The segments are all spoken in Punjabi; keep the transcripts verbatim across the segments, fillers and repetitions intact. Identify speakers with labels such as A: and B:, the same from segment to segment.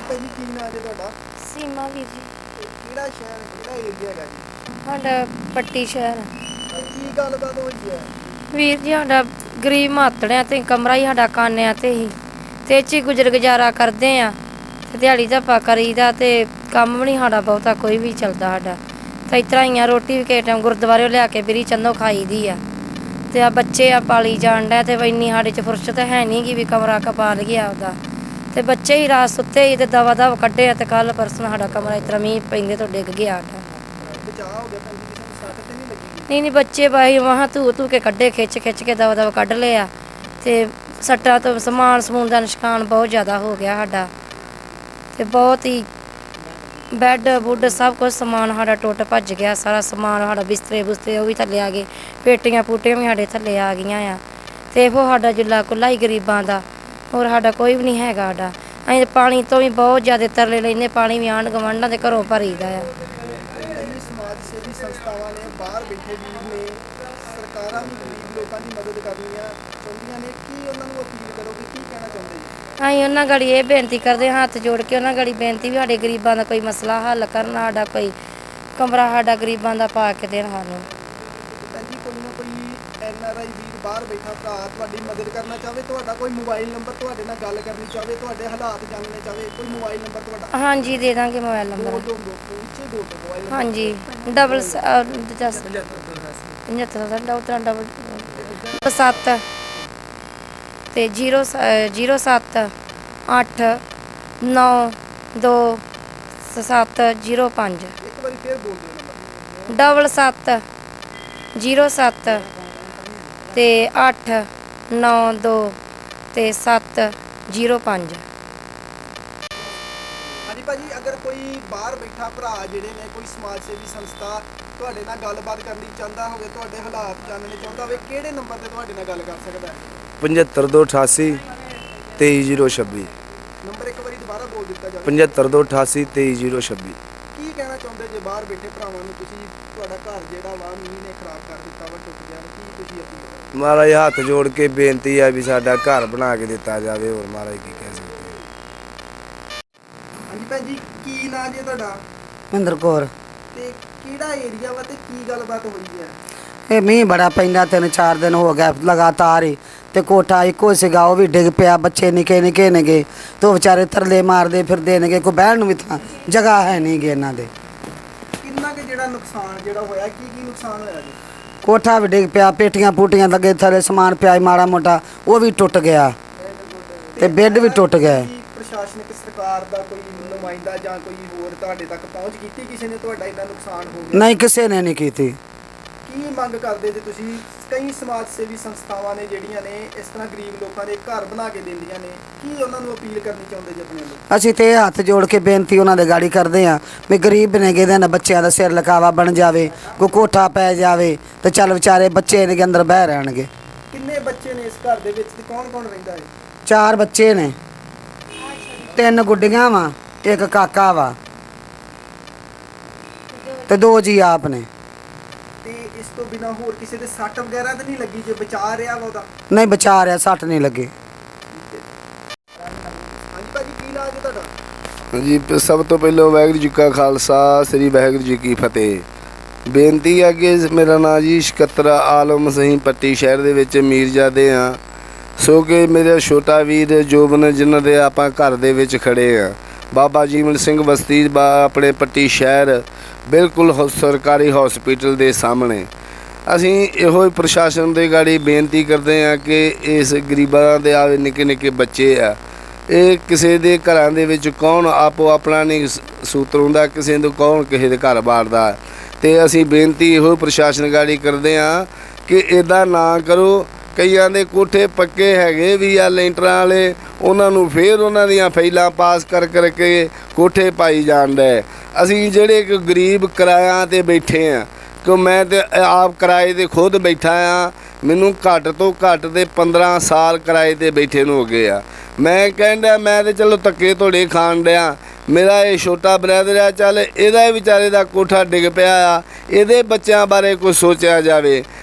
A: ਭੈਣ ਜੀ ਕੀ ਨਾਂ ਜੀ ਤੁਹਾਡਾ?
B: ਸੀਮਾ ਵੀਰ ਜੀ।
A: ਕਿਹੜਾ ਸ਼ਹਿਰ ਕਿਹੜਾ ਏਰੀਆ ਹੈਗਾ ਜੀ?
B: ਸਾਡਾ ਪੱਟੀ ਸ਼ਹਿਰ।
A: ਕੀ ਗੱਲਬਾਤ ਹੋਈ ਹੈ?
B: ਵੀਰ ਜੀ ਸਾਡਾ ਗਰੀਬ ਮਾਤੜਿਆਂ ਤੇ ਕਮਰਾ ਹੀ ਸਾਡਾ ਕਾਨਿਆਂ ਤੇ ਹੀ ਤੇ ਚ ਹੀ ਗੁਜ਼ਰ ਗੁਜ਼ਾਰਾ ਕਰਦੇ ਆ ਤੇ ਦਿਹਾੜੀ ਧੱਪਾ ਕਰੀਦਾ ਤੇ ਕੰਮ ਵੀ ਨਹੀਂ ਸਾਡਾ ਬਹੁਤਾ ਕੋਈ ਵੀ ਚੱਲਦਾ ਸਾਡਾ ਤੇ ਇਸ ਤਰ੍ਹਾਂ ਹੀ ਆ। ਰੋਟੀ ਵੀ ਕਿਸੇ ਟਾਈਮ ਗੁਰਦੁਆਰੇ ਲਿਆ ਕੇ ਬਿਰੀ ਚੰਨੋ ਖਾਈ ਦੀ ਆ ਤੇ ਆ ਬੱਚੇ ਆ ਪਾਲੀ ਜਾਣ ਡਿਆ ਤੇ ਇੰਨੀ ਸਾਡੇ 'ਚ ਫੁਰਸਤ ਹੈ ਨਹੀਂ ਗੀ ਵੀ ਕਮਰਾ ਕਪਾ ਲਈਏ ਆਪਦਾ ਤੇ ਬੱਚੇ ਹੀ ਰਾਤ ਸੁੱਤੇ ਹੀ ਤੇ ਦਵਾ ਦਵ ਕੱਢੇ ਆ ਤੇ ਕੱਲ ਪਰਸੋਂ ਸਾਡਾ ਕਮਰਾ ਇਸ ਤਰ੍ਹਾਂ ਮੀਂਹ ਪੈਂਦੇ ਤੋਂ ਡਿੱਗ ਗਿਆ ਸਾਡਾ।
A: ਬਚਾਅ ਹੋ ਗਿਆ ਭੈਣ ਜੀ, ਕਿਸੇ ਨੂੰ ਸੱਟ ਤੇ ਨਹੀਂ ਲੱਗੀ?
B: ਨਹੀਂ ਨਹੀਂ ਬੱਚੇ ਬਾਈ ਵਾਹਾਂ ਧੂ ਧੂ ਕੇ ਕੱਢੇ ਖਿੱਚ ਖਿੱਚ ਕੇ ਦਵਾ ਦਵਾ ਕੱਢ ਲਿਆ ਤੇ ਸੱਟਾਂ ਤੋਂ ਸਮਾਨ ਸਮੂਨ ਦਾ ਨੁਕਸਾਨ ਬਹੁਤ ਜ਼ਿਆਦਾ ਹੋ ਗਿਆ ਸਾਡਾ ਤੇ ਬਹੁਤ ਹੀ ਬੈੱਡ ਬੁੱਡ ਸਭ ਕੁਝ ਸਮਾਨ ਸਾਡਾ ਟੁੱਟ ਭੱਜ ਗਿਆ। ਸਾਰਾ ਸਮਾਨ ਸਾਡਾ ਬਿਸਤਰੇ ਬੁਸਤਰੇ ਉਹ ਵੀ ਥੱਲੇ ਆ ਗਏ, ਪੇਟੀਆਂ ਪੂਟੀਆਂ ਵੀ ਸਾਡੇ ਥੱਲੇ ਆ ਗਈਆਂ ਆ ਤੇ ਇਹੋ ਸਾਡਾ ਜੁੱਲਾ ਕੁੱਲਾ ਹੀ ਗਰੀਬਾਂ ਦਾ, ਹੋਰ ਸਾਡਾ ਕੋਈ ਵੀ ਨਹੀਂ ਹੈਗਾ। ਸਾਡਾ ਅਸੀਂ ਪਾਣੀ ਤੋਂ ਵੀ ਬਹੁਤ ਜ਼ਿਆਦਾ ਤਰਲੇ ਲੈਂਦੇ, ਪਾਣੀ ਵੀ ਆਂਢ ਗੁਆਂਢਾਂ ਦੇ ਘਰੋਂ ਭਰੀਦਾ ਆ।
A: ਕਈ ਸਮਾਜ ਸੇਵੀ ਸੰਸਥਾਵਾਂ ਨੇ ਬਾਹਰ ਬੈਠੇ ਵੀਰ ਨੇ, ਸਰਕਾਰਾਂ ਵੀ ਗਰੀਬ ਲੋਕਾਂ ਦੀ ਮਦਦ ਕਰਨੀਆਂ ਚਾਹੁੰਦੀਆਂ ਨੇ, ਕੀ ਉਹਨਾਂ ਨੂੰ ਅਪੀਲ ਕਰੋਗੇ, ਕੀ ਕਹਿਣਾ ਚਾਹੁੰਦੇ ਜੀ?
B: ਅਸੀਂ ਉਹਨਾਂ ਗਾੜੀ ਇਹ ਬੇਨਤੀ ਕਰਦੇ ਹਾਂ, ਹੱਥ ਜੋੜ ਕੇ ਉਹਨਾਂ ਗਾੜੀ ਬੇਨਤੀ ਵੀ ਸਾਡੇ ਗਰੀਬਾਂ ਦਾ ਕੋਈ ਮਸਲਾ ਹੱਲ ਕਰਨ, ਸਾਡਾ ਕੋਈ ਕਮਰਾ ਸਾਡਾ ਗਰੀਬਾਂ ਦਾ ਪਾ ਕੇ ਦੇਣ ਸਾਨੂੰ।
A: ਭੈਣ ਜੀ ਕੋਈ ਨਾ ਕੋਈ ਐਨ ਆਰ ਆਈ ਵੀਰ ਬਾਹਰ ਬੈਠਾ ਭਰਾ ਤੁਹਾਡੀ ਮਦਦ ਕਰਨਾ ਚਾਹਵੇ, ਤੁਹਾਡਾ ਕੋਈ ਮੋਬਾਈਲ ਨੰਬਰ ਤੁਹਾਡੇ ਨਾਲ ਗੱਲ ਕਰਨੀ ਚਾਹਵੇ, ਤੁਹਾਡੇ ਹਾਲਾਤ ਜਾਣਨੇ ਚਾਹਵੇ, ਕੋਈ ਮੋਬਾਈਲ ਨੰਬਰ ਤੁਹਾਡਾ?
B: ਹਾਂਜੀ ਦੇ ਦਾਂਗੇ ਮੋਬਾਈਲ ਨੰਬਰ।
A: ਦੋ ਦੋ ਦੋ ਉੱਚੇ ਦੋ ਦੋ ਮੋਬਾਈਲ ਨੰਬਰ।
B: ਹਾਂਜੀ ਡਬਲ ਦਸ ਪਝੱਤਰ ਦਾ ਡਾਕਟਰ ਡਬਲ ਸੱਤ ਤੇ ਜੀਰੋ ਜੀਰੋ ਸੱਤ ਅੱਠ ਨੌ ਦੋ ਸੱਤ ਜੀਰੋ ਪੰਜ।
A: ਇੱਕ ਵਾਰੀ ਫੇਰ ਬੋਲ ਦਿਓ ਨੰਬਰ।
B: ਡਬਲ ਸੱਤ ਜੀਰੋ ਸੱਤ ਤੇ ਅੱਠ ਨੌ ਦੋ ਤੇ ਸੱਤ ਜੀਰੋ ਪੰਜ।
A: ਹਾਂਜੀ ਭਾਜੀ, ਅਗਰ ਕੋਈ ਬਾਹਰ ਬੈਠਾ ਭਰਾ ਜਿਹੜੇ ਨੇ, ਕੋਈ ਸਮਾਜ ਸੇਵੀ ਸੰਸਥਾ ਤੁਹਾਡੇ ਨਾਲ ਗੱਲਬਾਤ ਕਰਨੀ ਚਾਹੁੰਦਾ ਹੋਵੇ, ਤੁਹਾਡੇ ਹਾਲਾਤ ਜਾਣਨੇ ਚਾਹੁੰਦਾ ਹੋਵੇ, ਕਿਹੜੇ ਨੰਬਰ ਤੇ ਤੁਹਾਡੇ ਨਾਲ ਗੱਲ ਕਰ ਸਕਦਾ ਹੈ?
C: ਪਝੱਤਰ ਦੋ ਅਠਾਸੀ ਤੇਈ ਜੀਰੋ ਛੱਬੀ।
A: ਨੰਬਰ ਇੱਕ ਵਾਰੀ ਦੁਬਾਰਾ ਬੋਲ ਦਿੱਤਾ ਜਾਵੇ।
C: ਪਝੱਤਰ ਦੋ ਅਠਾਸੀ ਤੇਈ ਜੀਰੋ ਛੱਬੀ।
A: ਕੀ ਕਹਿਣਾ ਚਾਹੁੰਦੇ ਜੇ ਬਾਹਰ ਬੈਠੇ ਭਰਾਵਾਂ ਨੂੰ ਤੁਸੀਂ? ਤੁਹਾਡਾ ਘਰ ਜਿਹੜਾ ਵਾ ਮੀਂਹ ਨੇ ਖਰਾਬ ਕਰ ਦਿੱਤਾ ਵਾ, ਟੁੱਟ ਗਿਆ, ਕੀ ਤੁਸੀਂ ਅਪੀਲ ਕਰੋ?
C: ਮਹਾਰਾਜ ਹੱਥ ਜੋੜ ਕੇ ਬੇਨਤੀ ਹੈ ਵੀ ਸਾਡਾ ਘਰ ਬਣਾ ਕੇ ਦਿੱਤਾ ਜਾਵੇ, ਹੋਰ ਮਹਾਰਾਜ ਕੀ ਕਹਿ ਸਕਦੇ।
A: ਹਾਂਜੀ ਭੈਣ ਜੀ, ਕੀ ਨਾਂ ਜੀ ਤੁਹਾਡਾ?
D: ਮਹਿੰਦਰ ਕੌਰ।
A: ਤੇ ਕਿਹੜਾ ਏਰੀਆ ਵਾ ਤੇ ਕੀ ਗੱਲਬਾਤ ਹੋਈ ਹੈ?
D: ਇਹ ਮੀਂਹ ਬੜਾ ਪੈਂਦਾ, ਤਿੰਨ ਚਾਰ ਦਿਨ ਹੋ ਗਿਆ ਲਗਾਤਾਰ ਹੀ ਤੇ ਕੋਠਾ ਇੱਕੋ ਸੀਗਾ ਉਹ ਵੀ ਡਿੱਗ ਪਿਆ, ਬੱਚੇ ਨਿੱਕੇ ਨਿੱਕੇ ਨੇਗੇ ਤੇ ਉਹ ਵਿਚਾਰੇ ਤਰਲੇ ਮਾਰਦੇ ਫਿਰਦੇ ਨੇਗੇ, ਕੋਈ ਬਹਿਣ ਨੂੰ ਵੀ ਥਾਂ ਜਗ੍ਹਾ ਹੈ ਨਹੀਂ ਗੇ ਇਹਨਾਂ ਦੇ।
A: ਕਿੰਨਾ ਕੁ ਜਿਹੜਾ ਨੁਕਸਾਨ ਜਿਹੜਾ ਹੋਇਆ, ਕੀ ਕੀ ਨੁਕਸਾਨ ਹੋਇਆ ਜੀ?
D: ਕੋਠਾ ਵੀ ਡਿੱਗ ਪਿਆ, ਪੇਟੀਆਂ ਪੂਟੀਆਂ ਲੱਗੇ ਥੱਲੇ ਸਮਾਨ ਪਿਆ ਮਾੜਾ ਮੋਟਾ ਉਹ ਵੀ ਟੁੱਟ ਗਿਆ ਤੇ ਬੈੱਡ ਵੀ ਟੁੱਟ ਗਏ।
A: ਕੀ ਪ੍ਰਸ਼ਾਸਨਿਕ ਸਰਕਾਰ ਦਾ ਕੋਈ ਨੁਮਾਇੰਦਾ ਜਾਂ ਕੋਈ ਹੋਰ ਤੁਹਾਡੇ ਤੱਕ ਪਹੁੰਚ ਕੀਤੀ? ਕਿਸੇ ਨੇ ਤੁਹਾਡਾ ਇੰਨਾ ਨੁਕਸਾਨ ਹੋ ਗਿਆ?
D: ਨਹੀਂ, ਕਿਸੇ ਨੇ ਨਹੀਂ ਕੀਤੀ।
A: ਕੀ ਮੰਗ ਕਰਦੇ ਜੇ ਤੁਸੀਂ? ਕਈ ਸਮਾਜ ਸੇਵੀ ਸੰਸਥਾਵਾਂ ਨੇ ਜਿਹੜੀਆਂ ਨੇ ਇਸ ਤਰ੍ਹਾਂ ਗਰੀਬ ਲੋਕਾਂ ਦੇ ਘਰ ਬਣਾ ਕੇ ਦਿੰਦੀਆਂ ਨੇ, ਕੀ ਉਹਨਾਂ ਨੂੰ ਅਪੀਲ ਕਰਨੀ ਚਾਹੁੰਦੇ ਜੇ ਆਪਣੇ ਨੂੰ?
D: ਅਸੀਂ ਤੇ ਇਹ ਹੱਥ ਜੋੜ ਕੇ ਬੇਨਤੀ ਉਹਨਾਂ ਦੇ ਗਾੜੀ ਕਰਦੇ ਹਾਂ ਵੀ ਗਰੀਬ ਨੇਗੇ, ਇਹਨਾਂ ਦੇ ਬੱਚਿਆਂ ਦਾ ਸਿਰ ਲਕਾਵਾ ਬਣ ਜਾਵੇ, ਕੋਈ ਕੋਠਾ ਪੈ ਜਾਵੇ ਤੇ ਚੱਲ ਵਿਚਾਰੇ ਬੱਚੇ ਨੇ ਅੰਦਰ ਬਹਿ ਰਹਿਣਗੇ।
A: ਕਿੰਨੇ ਬੱਚੇ ਨੇ ਇਸ ਘਰ ਦੇ ਵਿੱਚ ਤੇ ਕੌਣ ਕੌਣ ਰਹਿੰਦਾ ਹੈ?
D: ਚਾਰ ਬੱਚੇ ਨੇ, ਤਿੰਨ ਗੁੱਡੀਆਂ ਵਾ, ਇੱਕ ਕਾਕਾ ਵਾ ਤੇ ਦੋ ਜੀ ਆਪ ਨੇ।
A: ਤੇ ਇਸ ਤੋਂ ਬਿਨਾ ਹੋਰ ਕਿਸੇ ਦੇ ਸੱਟ ਵਗੈਰਾ ਤਾਂ ਨਹੀਂ ਲੱਗੀ ਜੇ ਬਚਾ ਰਿਹਾ ਵਾ ਉਹਦਾ?
D: ਨਹੀਂ ਬਚਾ ਰਿਹਾ, ਸੱਟ ਨਹੀਂ ਲੱਗੇ।
A: ਹਾਂਜੀ ਭਾਜੀ, ਕੀ ਨਾਂ ਜੀ ਤੁਹਾਡਾ?
C: ਜੀ ਸਭ ਤੋਂ ਪਹਿਲਾਂ ਵਾਹਿਗੁਰੂ ਜੀ ਕਾ ਖਾਲਸਾ, ਸ੍ਰੀ ਵਾਹਿਗੁਰੂ ਜੀ ਕੀ ਫਤਿਹ। ਬੇਨਤੀ ਹੈ ਕਿ ਮੇਰਾ ਨਾਂ ਜੀ ਸਕੱਤਰ ਆਲਮ ਸਿੰਘ ਪੱਟੀ ਸ਼ਹਿਰ ਦੇ ਵਿੱਚ ਮੀਰਜ਼ਾਦੇ ਆ, ਸੋ ਕਿ ਮੇਰਾ ਛੋਟਾ ਵੀਰ ਜੋਬਨ ਜਿਨ੍ਹਾਂ ਦੇ ਆਪਾਂ ਘਰ ਦੇ ਵਿੱਚ ਖੜੇ ਆ, ਬਾਬਾ ਜੀਵਨ ਸਿੰਘ ਬਸਤੀ ਬਾ ਆਪਣੇ ਪੱਟੀ ਸ਼ਹਿਰ ਬਿਲਕੁਲ ਸਰਕਾਰੀ ਹਸਪੀਟਲ ਦੇ ਸਾਹਮਣੇ। ਅਸੀਂ ਇਹੋ ਹੀ ਪ੍ਰਸ਼ਾਸਨ ਦੇ ਗਾੜੀ ਬੇਨਤੀ ਕਰਦੇ ਹਾਂ ਕਿ ਇਸ ਗਰੀਬਾਂ ਦੇ ਆਵੇ ਨਿੱਕੇ ਨਿੱਕੇ ਬੱਚੇ ਆ, ਇਹ ਕਿਸੇ ਦੇ ਘਰਾਂ ਦੇ ਵਿੱਚ ਕੌਣ ਆਪੋ ਆਪਣਾ ਨਹੀਂ ਸੂਤਰ ਹੁੰਦਾ, ਕਿਸੇ ਨੂੰ ਕੌਣ ਕਿਸੇ ਦੇ ਘਰ ਬਾੜਦਾ। ਅਤੇ ਅਸੀਂ ਬੇਨਤੀ ਇਹੋ ਪ੍ਰਸ਼ਾਸਨ ਗਾੜੀ ਕਰਦੇ ਹਾਂ ਕਿ ਇੱਦਾਂ ਨਾ ਕਰੋ। ਕਈਆਂ ਦੇ ਕੋਠੇ ਪੱਕੇ ਹੈਗੇ ਵੀ ਆ ਲੈਂਟਰਾਂ ਵਾਲੇ, ਉਹਨਾਂ ਨੂੰ ਫਿਰ ਉਹਨਾਂ ਦੀਆਂ ਫਾਈਲਾਂ ਪਾਸ ਕਰ ਕਰਕੇ ਕੋਠੇ ਪਾਈ ਜਾਂਦਾ। ਅਸੀਂ ਜਿਹੜੇ ਕਿ ਗਰੀਬ ਕਿਰਾਇਆਂ 'ਤੇ ਬੈਠੇ ਹਾਂ, ਕਿ ਮੈਂ ਤਾਂ ਆਪ ਕਿਰਾਏ 'ਤੇ ਖੁਦ ਬੈਠਾ ਹਾਂ, ਮੈਨੂੰ ਘੱਟ ਤੋਂ ਘੱਟ ਦੇ ਪੰਦਰਾਂ ਸਾਲ ਕਿਰਾਏ 'ਤੇ ਬੈਠੇ ਨੂੰ ਹੋ ਗਏ ਆ। ਮੈਂ ਕਹਿੰਦਾ ਮੈਂ ਤਾਂ ਚਲੋ ਧੱਕੇ ਧੋੜੇ ਖਾਣ ਡਿਆ, ਮੇਰਾ ਇਹ ਛੋਟਾ ਬ੍ਰਦਰ ਆ, ਚੱਲ ਇਹਦਾ ਵਿਚਾਰੇ ਦਾ ਕੋਠਾ ਡਿੱਗ ਪਿਆ ਆ, ਇਹਦੇ ਬੱਚਿਆਂ ਬਾਰੇ ਕੁਝ ਸੋਚਿਆ ਜਾਵੇ।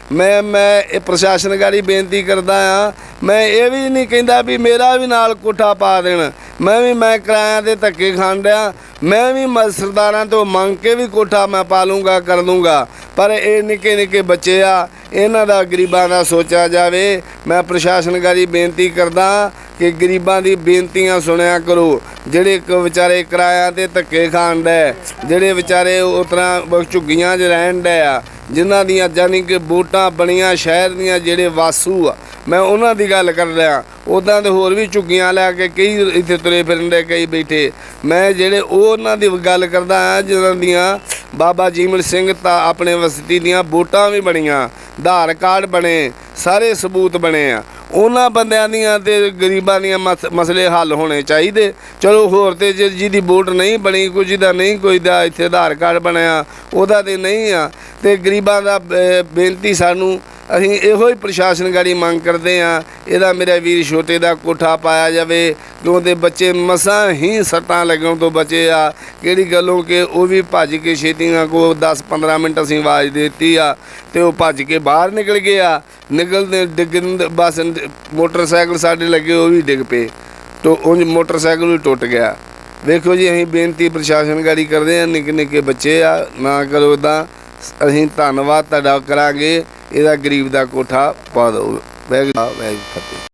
C: ਮੈਂ ਮੈਂ ਇਹ ਪ੍ਰਸ਼ਾਸਨ ਗਾੜੀ ਬੇਨਤੀ ਕਰਦਾ ਆ। ਮੈਂ ਇਹ ਵੀ ਨਹੀਂ ਕਹਿੰਦਾ ਵੀ ਮੇਰਾ ਵੀ ਨਾਲ ਕੋਠਾ ਪਾ ਦੇਣ। ਮੈਂ ਵੀ ਮੈਂ ਕਿਰਾਇਆਂ ਦੇ ਧੱਕੇ ਖਾਣ ਡਿਆ। ਮੈਂ ਵੀ ਮ- ਸਰਦਾਰਾਂ ਤੋਂ ਮੰਗ ਕੇ ਵੀ ਕੋਠਾ ਮੈਂ ਪਾ ਲੂੰਗਾ ਕਰ ਦੂੰਗਾ। ਪਰ ਇਹ ਨਿੱਕੇ ਨਿੱਕੇ ਬੱਚੇ ਆ, ਇਹਨਾਂ ਦਾ ਗਰੀਬਾਂ ਦਾ ਸੋਚਿਆ ਜਾਵੇ। ਮੈਂ ਪ੍ਰਸ਼ਾਸਨ ਗਾੜੀ ਬੇਨਤੀ ਕਰਦਾ ਕਿ ਗਰੀਬਾਂ ਦੀ ਬੇਨਤੀਆਂ ਸੁਣਿਆ ਕਰੋ। ਜਿਹੜੇ ਕ ਵਿਚਾਰੇ ਕਿਰਾਇਆਂ ਤੇ ਧੱਕੇ ਖਾਣ ਡੈ, ਜਿਹੜੇ ਵਿਚਾਰੇ ਉਸ ਤਰ੍ਹਾਂ ਝੁੱਗੀਆਂ 'ਚ ਰਹਿਣ ਡੈ ਆ, ਜਿਨ੍ਹਾਂ ਦੀਆਂ ਜਾਨੀ ਕਿ ਵੋਟਾਂ ਬਣੀਆਂ ਸ਼ਹਿਰ ਦੀਆਂ, ਜਿਹੜੇ ਵਾਸੂ ਆ, ਮੈਂ ਉਹਨਾਂ ਦੀ ਗੱਲ ਕਰ ਰਿਹਾ। ਉੱਦਾਂ ਤੇ ਹੋਰ ਵੀ ਝੁੱਗੀਆਂ ਲੈ ਕੇ ਕਈ ਇੱਥੇ ਤੁਰੇ ਫਿਰਨ ਦੇ ਕਈ ਬੈਠੇ। ਮੈਂ ਜਿਹੜੇ ਉਹ ਉਹਨਾਂ ਦੀ ਗੱਲ ਕਰਦਾ ਹਾਂ ਜਿਨ੍ਹਾਂ ਦੀਆਂ ਬਾਬਾ ਜੀਵਨ ਸਿੰਘ ਤਾਂ ਆਪਣੇ ਵਸਤੀ ਦੀਆਂ ਵੋਟਾਂ ਵੀ ਬਣੀਆਂ, ਆਧਾਰ ਕਾਰਡ ਬਣੇ, ਸਾਰੇ ਸਬੂਤ ਬਣੇ ਆ। ਉਹਨਾਂ ਬੰਦਿਆਂ ਦੀਆਂ ਤੇ ਗਰੀਬਾਂ ਦੀਆਂ ਮਸ ਮਸਲੇ ਹੱਲ ਹੋਣੇ ਚਾਹੀਦੇ। ਚਲੋ ਹੋਰ ਤੇ ਜੇ ਜਿਹਦੀ ਵੋਟ ਨਹੀਂ ਬਣੀ, ਕੁਝ ਦਾ ਨਹੀਂ, ਕੋਈ ਦਾ ਇੱਥੇ ਆਧਾਰ ਕਾਰਡ ਬਣਿਆ, ਉਹਦਾ ਤੇ ਨਹੀਂ ਆ। ਤੇ ਗਰੀਬਾਂ ਦਾ ਬ- ਬੇਨਤੀ ਸਾਨੂੰ ਅਸੀਂ ਇਹੋ ਹੀ ਪ੍ਰਸ਼ਾਸਨ ਗਾੜੀ ਮੰਗ ਕਰਦੇ ਹਾਂ, ਇਹਦਾ ਮੇਰਾ ਵੀਰ ਛੋਟੇ ਦਾ ਕੋਠਾ ਪਾਇਆ ਜਾਵੇ। ਕਿਉਂ ਦੇ ਬੱਚੇ ਮਸਾਂ ਹੀ ਸੱਟਾਂ ਲੱਗਣ ਤੋਂ ਬਚੇ ਆ। ਕਿਹੜੀ ਗੱਲੋਂ ਕਿ ਉਹ ਵੀ ਭੱਜ ਕੇ ਛੇਤੀਆਂ ਕੋ ਦਸ ਪੰਦਰਾਂ ਮਿੰਟ ਅਸੀਂ ਆਵਾਜ਼ ਦੇ ਦਿੱਤੀ ਆ ਤੇ ਉਹ ਭੱਜ ਕੇ ਬਾਹਰ ਨਿਕਲ ਗਏ ਆ। ਨਿਕਲਦੇ ਡਿੱਗਣ ਦੇ ਬਸ ਮੋਟਰਸਾਈਕਲ ਸਾਡੇ ਲੱਗੇ, ਉਹ ਵੀ ਡਿੱਗ ਪਏ। ਤੋ ਉਂਝ ਮੋਟਰਸਾਈਕਲ ਵੀ ਟੁੱਟ ਗਿਆ। ਵੇਖੋ ਜੀ, ਅਸੀਂ ਬੇਨਤੀ ਪ੍ਰਸ਼ਾਸਨ ਗਾੜੀ ਕਰਦੇ ਹਾਂ, ਨਿੱਕੇ ਨਿੱਕੇ ਬੱਚੇ ਆ, ਨਾ ਕਰੋ ਇੱਦਾਂ। ਅਸੀਂ ਧੰਨਵਾਦ ਤੁਹਾਡਾ ਕਰਾਂਗੇ। ਇਹਦਾ ਗਰੀਬ ਦਾ ਕੋਠਾ ਪਾ ਦਿਓ। ਵਾਹਿਗੁਰੂ ਵਾਹਿਗੁਰੂ ਫਤਿਹ।